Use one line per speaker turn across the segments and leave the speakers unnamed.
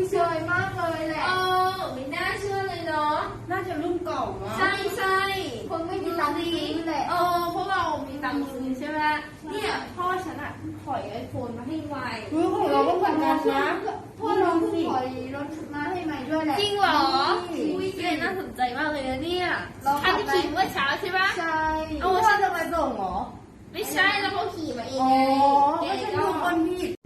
สวยมากเลยแหละ
ไม่น่าเชื่อเลยเนาะ
น่าจะรุ่นเก่าเนาะ
ใช่ใช่
คงไม่มีตังค์ซื้อแหละ
พวกเรามีตังค์ซื้อใช่ไหมเนี่ยพ่อฉันอะถอยไอโฟนมาให้ไว
ของเราก็เหมือนกันนะ
พ่อเราถอยรถมาให้ใหม่ด้วยแหละ
จริงเหรออุ้ยเน่าสนใจมากเลยนะเนี่ยอันที่ขี่เมื่อเช้าใช่ปะ
ใช่
เอาพ่อจะมาส่งเหรอ
ไม่ใช่แล้วเขาขี่มาเองไง
ไม่ใช่ทุกคนผิด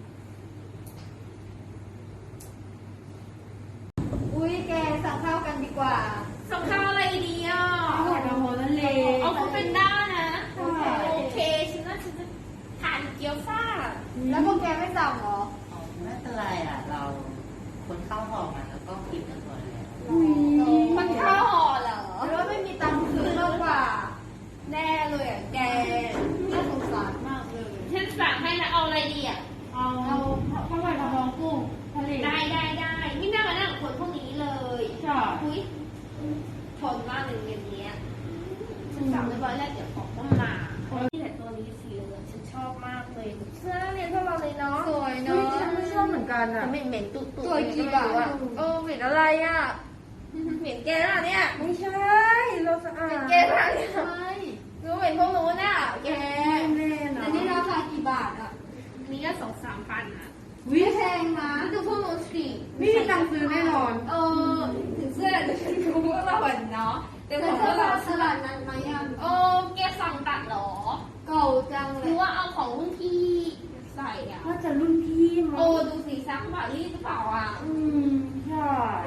อุ้ยแกสั่งข้าวกันดีกว่า
สั่งข้าวอะไรดีอ่ะ
ผัดกะเพรานั่นเลย
เอาเขาเป็นด้านะโอเคฉันจะทานเกี๊ยวซ่า
แล้วพวกแกไม่สั่งเหรอ
ไม่เป็นไรอ่ะเราคนเข้าหอมันแล้วก็กินกันหมดแล้ว
มันข้าวห่อเหรอ
หรือว่าไม่มีตังค์ซื้อมากกว่า
แน่เลยอ่ะแก
น่าสงสารมากเลย
ฉันสั่งให้นะเอาอะไรดีอ่ะ
เอาข้าวผัดกะเพรากุ้งทะเล
ได้ไม่น่ามานั่งคนพวกนี้เลย
ใช่
อุ้ยทนมากเลยเย็นเนี้ยฉันสั่งเรียบร้อยแล้วเดี๋ยวของต้องมานี่แหละตัวนี้สีเหลืองฉันชอบมากเลยเสื้อนักเรียนพวกเราเลยเนาะ
สวยเนาะ
ฉันไม่ชอบเหมือนกันอ่ะ
เหม็นตุ่
ตัวกี่บาทอ่ะ
เหม็นอะไรอ่ะเหม็นแกน่ะเนี่ย
ไม่ใช่เราสะอาด
แกน่ะเนี่ยรู้เหม็นพวกนู้นน่ะแก
แน่น
อันนี้ราคากี่บาทอ่ะ
นี่ก็2-3 พันอ่ะ
วิแพงนะ
ดูพวกนู้นสิ
ไม่มีตังค์ซื้อแน่นอน
ถึงเสื้อจะเป็นพวกเราเนาะแต่ของพวกเรา
ตลาดนั้นไหมอ่ะ
แกสั่งตัดหรอ
เก่าจังเลย
หรือว่าเอาของรุ่นพี่ใส่อ่ะ
น่าจะรุ่นพี่มั้ง
ดูสีซักปารีสหรือเปล่าอ่ะ
ใช่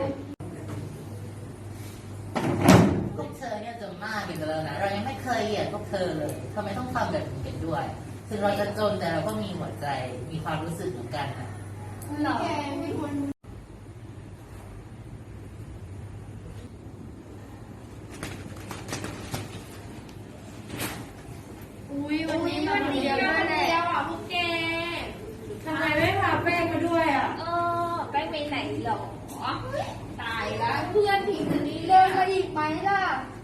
พวกเธอเนี่ยจะมากกันแล้วนะเรายังไม่เคยเหยียดพวกเธอเลยทำไมต้องทำแบบนี้กันด้วยถึงเราจะจนแต่เราก็มีหัวใจมีความรู้สึกเหมือนกันนะ
แกเป็นคน
วันนี้วันเดียวอ่ะพวกแก
ทำไมไม่พาแป้งมาด้วยอ่ะ
แป้งไปไหนหรอตายแล้วเพื่อนผีคนนี้
เดินมาอีกไหมล่ะ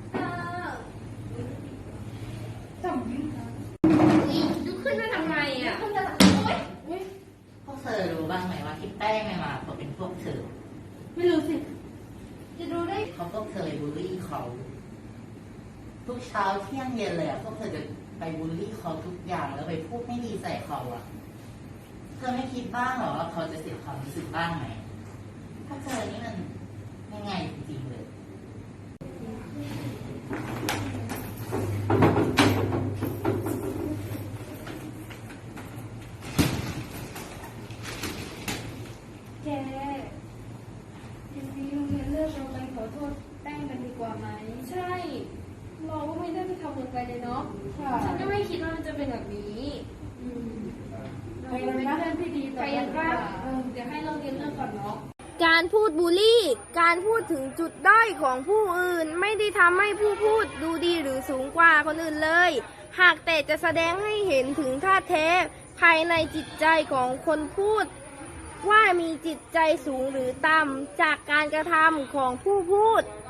จำไม่ได้
ลุกขึ้นมาทำไมอ่ะ
พวกเธอรู้บ้างไหมว่าที่แป้งไม่มาเพราะเป็นพวกเธอ
ไม่รู้สิ
จะรู้ได้
เขาก็เคยบูลลี่เขาทุกเช้าเที่ยงเย็นเลยอ่ะพวกเธอจะไปบูลลี่เขาทุกอย่างแล้วไปพูดไม่ดีใส่เขาอ่ะเธอไม่คิดบ้างหรอว่าเขาจะเสียความรู้สึกบ้างไหมพวกเธอนี่มันยังไงจริงๆเลย
แกทีนี้โรงเรียนเลิกเราไปขอโทษแป้งกันดีกว่าไหม
ใช่เราก็ไม่ได้ไปทำอะไรเลยเนาะฉันก็ไม่คิดว่ามันจะเป็นแบบนี้
เราเป็นเพื่อนที่ดีต่อกันว่า
เดี๋ยวให้เราเรียนเรื่องก่อนเนาะ
การพูดบูลลี่ การพูดถึงจุดด้อยของผู้อื่นไม่ได้ทำให้ผู้พูดดูดีหรือสูงกว่าคนอื่นเลย หากแต่จะแสดงให้เห็นถึงท่าแท้ภายในจิตใจของคนพูดว่ามีจิตใจสูงหรือต่ำจากการกระทำของผู้พูด